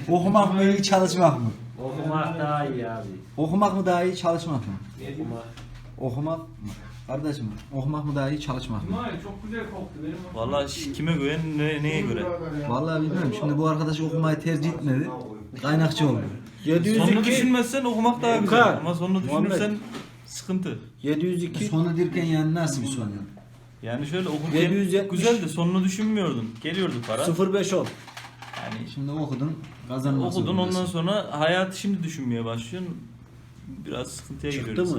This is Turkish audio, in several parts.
Okumak mı iyi, çalışmak mı? Okumak daha iyi abi. Okumak mı daha iyi, çalışmak mı? Okumak. Okumak mı? Kardeşim, okumak mı daha iyi, çalışmak mı? İsmail çok güzel koktu benim. Vallahi kime göre neye göre? Vallahi bilmiyorum. Şimdi bu arkadaş okumayı tercih etmedi. Kaynakçı oldu. Sonunu düşünmezsen okumak daha güzel. Okan. Ama sonunu düşünürsen sıkıntı. 702. Sonu derken yani nasıl bir sonu? Yani şöyle okurken 770. güzeldi. Sonunu düşünmüyordun. Geliyordu para. 0510. Yani Şimdi okudun, kazanmak okudun ondan zorundasın. sonra hayatı şimdi düşünmeye başlıyorsun. Biraz sıkıntıya Çıktı giriyorsun. mı?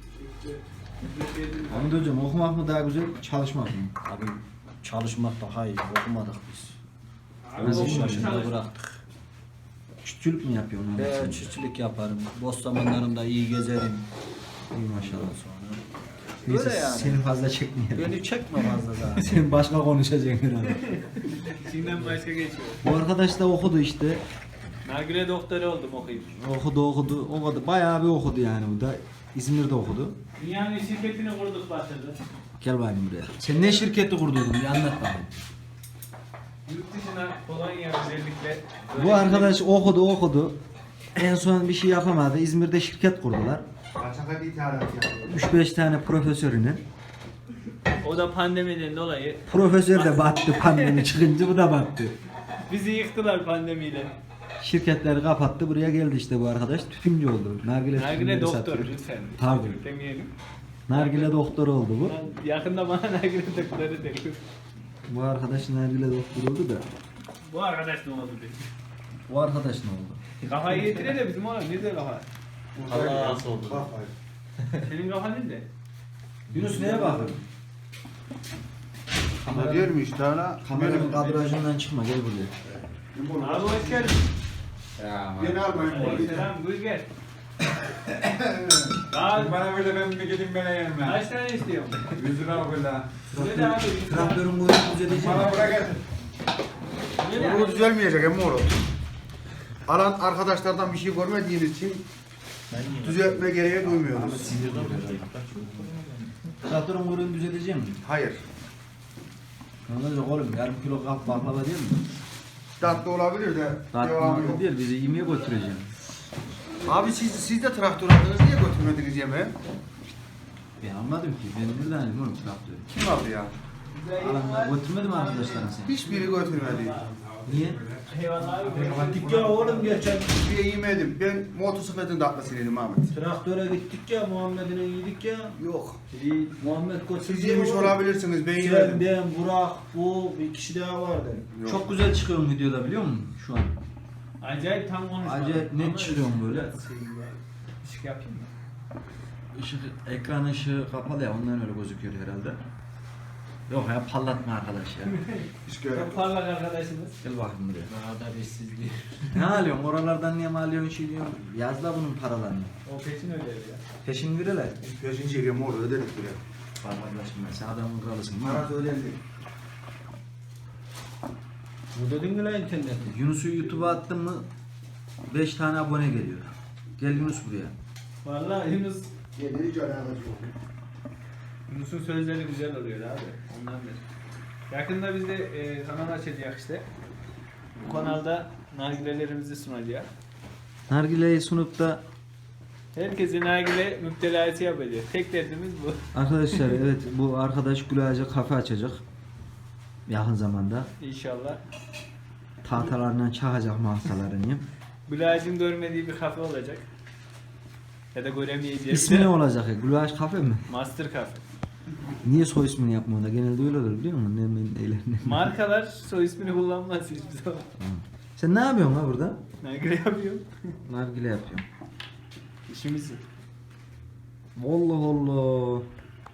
Ahmet hocam, okumak mı daha güzel, çalışmak mı? Abi çalışmak daha iyi. Okumadık biz. Abi, Nasıl okumuş çalışıyorsun? çalış. Yaşında bıraktık. Çiftçilik mi yapıyorsun? Ve çiftçilik yaparım. Boş zamanlarımda iyi gezerim. İyi maşallah. Sonra. Neyse, Böyle yani. seni fazla çekmeyelim. Beni çekme fazla daha. Senin başka konuşacaksın herhalde. İçinden başka geçiyor. Bu arkadaş da okudu işte. Nargile doktoru oldum okuyup. Okudu. Bayağı bir okudu yani bu da. İzmir'de okudu. Dünyanın şirketini kurduk batırdı. Gel bakayım buraya. Sen ne şirketi kurduydun? Bir anlat bakayım. Yurt dışına Polonya özellikle. Bu arkadaş okudu. En son bir şey yapamadı. İzmir'de şirket kurdular. Kaçaka bir ithalat yapıyor. 3-5 tane profesörünü. O da pandemiden dolayı Profesör de battı pandemi çıkınca, bu da battı. bizi yıktılar pandemiyle. Şirketleri kapattı, buraya geldi işte bu arkadaş. Tütüncü oldu. Nargile Nargile tütünleri doktor satıyor. lütfen. Tabii. Demeyelim. Nargile doktoru oldu bu. Yakında bana nargile doktoru der. Bu arkadaş nargile doktoru oldu da. Bu arkadaş ne oldu diye. Bu arkadaş ne oldu? Kafayı getire de bizim oğlum nerede kafa? Allah razı olsun. Bak bak. Senin kafan nerede? Yunus neye bakıyorsun? Ama diyorum işte hala. Kameranın kadrajından çıkma, gel buraya. Abi hoş geldin. Beni almayın bu arada. Selam buyur gel. Abi Bana böyle ben bir gideyim bana yanıma. kaç tane istiyorsun? 100 lira böyle. Söyle de abi. Traktörün boyunu düzelteceğim. Bana bırak et. Söyle Bu abi. düzelmeyecek emmi oğlum. Alan arkadaşlardan bir şey görmediğiniz için düzeltme gereği duymuyoruz. Traktörün boyunu düzelteceğim mi? Hayır. Ne olacak oğlum? Yarım kilo kap baklava değil mi? Tatlı olabilir de Tatlı devamı matlı yok. değil, bizi yemeğe götüreceğim. Abi siz de traktör aldınız, niye götürmediniz yemeğe? Ben anladım ki, ben nereden alayım oğlum traktörü? Kim aldı ya? Alanlar götürmedi mi arkadaşlarına seni? Hiçbiri götürmedi. Niye? Eyvallah abi. Gittik ya oğlum geçen. Hiçbiri yemedim. Ben motosikletin tatlısıydım Ahmet. Traktöre gittik ya Muhammed'ine yedik ya. Yok. Muhammed Siz götürdü. yemiş olabilirsiniz, ben Sen, yemedim. ben, Burak, bu bir kişi daha vardı. Yok. Çok güzel çıkıyorum videoda, biliyor musun şu an? Acayip tam konuşma. Acayip net Ama çıkıyorum böyle. Işık yapayım mı? Işık, ekran ışığı kapalı ya, ondan öyle gözüküyor herhalde. Yok ya, parlatma arkadaş ya. Hiç göremedim. Çok parlak arkadaşımız. Gel bakayım buraya. Daha da bizsizliği. Ne alıyorsun? Oralardan niye mi alıyorsun, şey diyorsun? Yazla bunun paralarını. O peşin ödevi ya. Peşin verirler. Peşin çekiyorum orada ödedik bile. Var kardeşim ben, sen adamın kralısın. Parası ödendi. Bu dedin mi lan internette? Yunus'u YouTube'a attın mı 5 tane abone geliyor. Gel Yunus buraya. Vallahi Yunus, Yedi hiç alakası yok. Yunus'un sözleri güzel oluyor abi. Ondan beri. Yakında biz de kanal açacağız işte. Bu kanalda nargilelerimizi sunacağız. Nargile'yi sunup da Herkese nargile müptelası yapacağız. Tek derdimiz bu. arkadaşlar evet, bu arkadaş Gülağaç'a kafe açacak. Yakın zamanda. İnşallah. Tahtalarından çakacak mahsalarını. Bülac'ın görmediği bir kafe olacak. Ya da göremeyeceğiz. İsmi ne olacak ya? Gülağaç kafe mi? Master Cafe. Niye soy ismini yapmıyor da? Genelde öyle olur biliyor musun? Ne. Markalar soy ismini kullanmaz hiçbir zaman. Sen ne yapıyorsun ha burada? Nargile yapıyorum. Nargile yapıyorum. İşimiz yok. Allah Allah.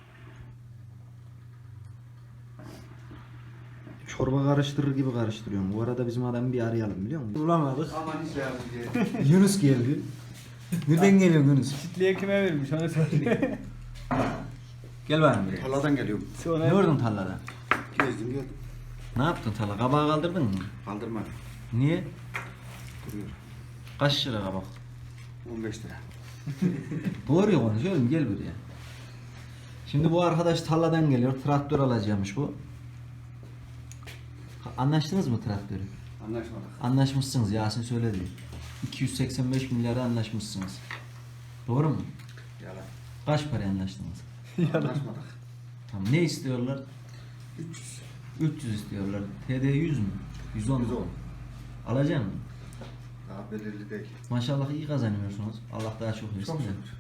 Çorba karıştırır gibi karıştırıyorum. Bu arada bizim adamı bir arayalım, biliyor musun? Bulamadık. Aman hiç lazım diye. Yunus geldi. Nereden geliyor Yunus? Çitliğe kime vermiş onu söyle. Gel bakayım buraya. Tarladan geliyorum. Ne gördün tarlada? Gezdim geldim. Ne yaptın tarla? Kabağı kaldırdın mı? Kaldırma. Niye? Duruyor. Kaç lira kabak? 15 lira. Doğruya konuş oğlum, gel buraya. Şimdi bu arkadaş tarladan geliyor. Traktör alacakmış bu. Anlaştınız mı traktörü? Anlaşmadık. Anlaşmışsınız, Yasin söyledi. 285 milyara anlaşmışsınız. Doğru mu? Yalan. Kaç paraya anlaştınız? Anlaşmadık. Tamam, ne istiyorlar? 300. 300 istiyorlar. TD 100 mü? 110 mu? 110. Alacak mısın? Daha belirli değil. Maşallah iyi kazanıyorsunuz. Allah daha çok versin Çok de. şükür.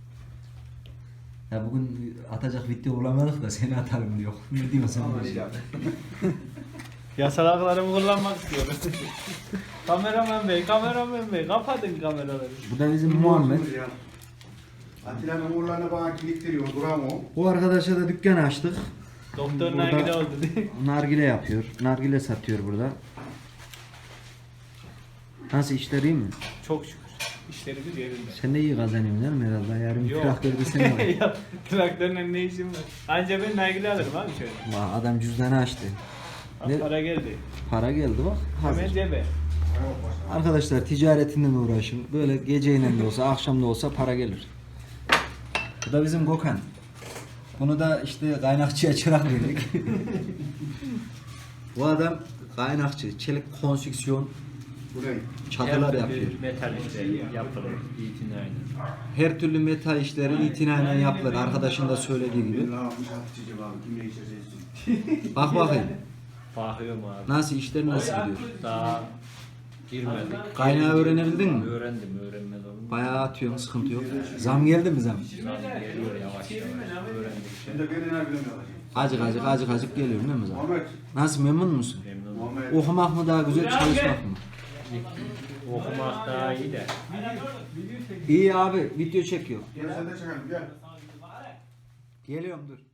Ya bugün atacak video bulamadık da seni atalım diyor. Ne diyorsun Ama sen? iyi abi. Yasal haklarımı kullanmak istiyorum. kameraman bey kapatın kameraları. Bu da bizim Muhammed. Atilla'nın uğurlarını bana kilitleniyor. Duram o. Bu arkadaşa da dükkan açtık. Doktor Burada- nargile oldu diye. Nargile yapıyor. Nargile satıyor burada. Nasıl, işler iyi mi? Çok şükür. İşlerimiz yerinde. Sen de iyi kazanıyorsun değil mi herhalde? Yarın Yok. traktörde sen var. Ya, traktörle ne işim var? Anca ben nargile alırım abi şöyle. Vay, adam cüzdanı açtı. Bak, Ne- para geldi. Para geldi bak. Hemen Hazır. cebe. Arkadaşlar ticaretinden uğraşın. Böyle geceyle de olsa, akşam da olsa para gelir. Bu da bizim Gökhan. Bunu da işte kaynakçıya çırak verdik. Bu adam kaynakçı, çelik konstrüksiyon Burayı. çatılar yapıyor. Metal işleri yapılır. İtinayla. Her türlü metal işleri itinayla yapılır. Arkadaşın da söylediği gibi. Ne yapmış Hatice'cim abi? Kimle içeceksin? Bak bakayım. Bakıyorum abi. Nasıl, işler nasıl gidiyor? Daha girmedik. Kaynağı öğrenebildin mi? Öğrendim, öğrenmez olur mu? Bayağı atıyorsun, sıkıntı yok. Zam geldi mi zam? Zam geliyor yavaş yavaş. Öğrendikçe. Şimdi beni ne bileyim Acık acık geliyor değil mi zam? Muhammed. Nasıl, memnun musun? Memnunum. Muhammed. Okumak mı daha güzel, çalışmak mı? Okumak daha iyi de. İyi abi, video çekiyor. Gel sen de çekelim gel. Geliyorum, dur.